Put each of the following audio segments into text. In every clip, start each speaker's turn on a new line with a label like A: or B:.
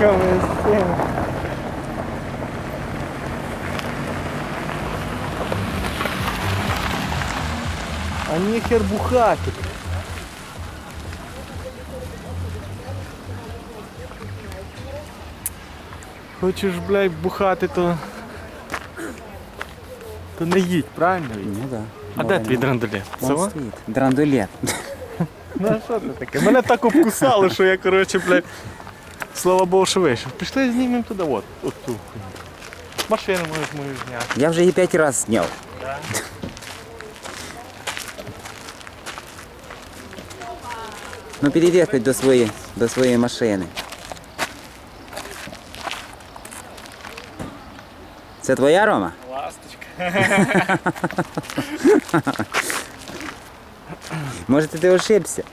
A: бухами з цим. А ніхер бухати. Хочеш, блядь, бухати, то не їдь, правильно?
B: Ну да.
A: А де твій драндулет? Це во?
B: стоїть. Драндулет.
A: Ну а що це таке? Мене так обкусало, що я, коротше, блядь, слава Богу, що вийшов. Пішли знімемо туди, от ту. Машину можеш мою зняти.
B: Я вже її 5 разів зняв. Ну підійди хоч до своєї машини. Це твоя, Рома?
A: Ласточка.
B: Може ти ошибся?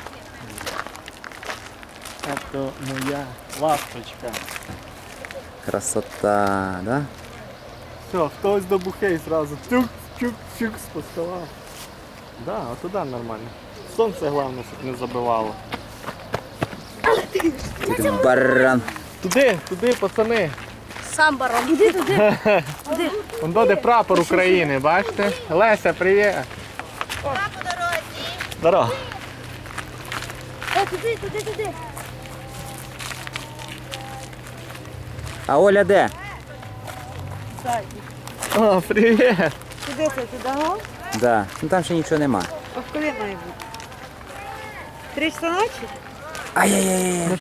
A: Це моя ласточка.
B: Красота, да?
A: Все, хтось до бухей зразу. Тюк-тюк-тюк споставав. Да, а туди нормально. Сонце головне, щоб не забивало.
B: Ти баран.
A: Туди, пацани.
C: Сам барон, іди туди.
A: Вон де прапор України, бачите? Леся, привіт.
C: По дорозі.
A: Здорово.
C: Туди.
B: А Оля де?
A: О, привіт.
C: Туди, ага?
B: Да. Ну там ще нічого нема.
C: А коли має бути? 3 часа ночі?
B: Ай-яй-яй.